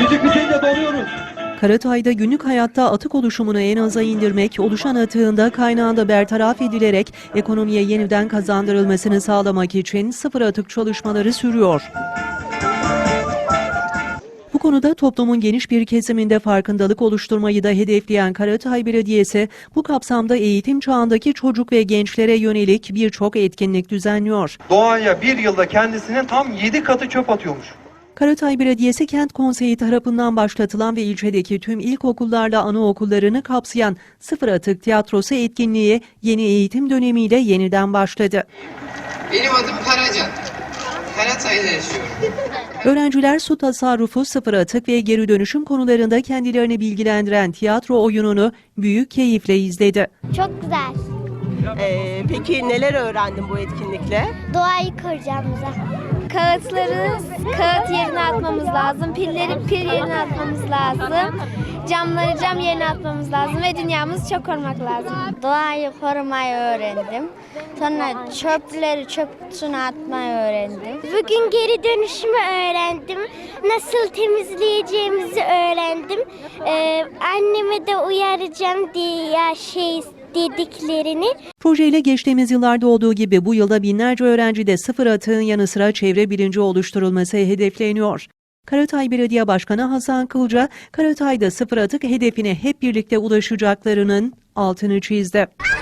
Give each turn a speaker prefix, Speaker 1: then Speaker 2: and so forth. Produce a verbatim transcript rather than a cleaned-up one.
Speaker 1: Müzik bitince doluyoruz.
Speaker 2: Karatay'da günlük hayatta atık oluşumunu en aza indirmek, oluşan atığın da kaynağında bertaraf edilerek ekonomiye yeniden kazandırılmasını sağlamak için sıfır atık çalışmaları sürüyor. Bu konuda toplumun geniş bir kesiminde farkındalık oluşturmayı da hedefleyen Karatay Belediyesi, bu kapsamda eğitim çağındaki çocuk ve gençlere yönelik birçok etkinlik düzenliyor.
Speaker 3: Doğaya bir yılda kendisinin tam yedi katı çöp atıyormuş.
Speaker 2: Karatay Belediyesi Kent Konseyi tarafından başlatılan ve ilçedeki tüm ilkokullarla anaokullarını kapsayan Sıfır Atık Tiyatrosu etkinliği yeni eğitim dönemiyle yeniden başladı.
Speaker 4: Benim adım Karaca. Karatay'da yaşıyorum.
Speaker 2: Öğrenciler su tasarrufu, sıfır atık ve geri dönüşüm konularında kendilerini bilgilendiren tiyatro oyununu büyük keyifle izledi.
Speaker 5: Çok güzel.
Speaker 6: Ee, peki neler öğrendin bu etkinlikle?
Speaker 5: Doğayı koruyacağımıza. Kağıtları kağıt yerine atmamız lazım. Pilleri pil yerine atmamız lazım. Camları cam yerine atmamız lazım ve dünyamızı çok korumak lazım. Doğayı korumayı öğrendim. Sonra çöpleri çöp kutusuna atmayı öğrendim. Bugün geri dönüşümü öğrendim. Nasıl temizleyeceğimizi öğrendim. Ee, anneme de uyaracağım diye ya şey dediklerini.
Speaker 2: Projeyle geçtiğimiz yıllarda olduğu gibi bu yılda binlerce öğrencide sıfır atığın yanı sıra çevre bilinci oluşturulması hedefleniyor. Karatay Belediye Başkanı Hasan Kılca, Karatay'da sıfır atık hedefine hep birlikte ulaşacaklarının altını çizdi.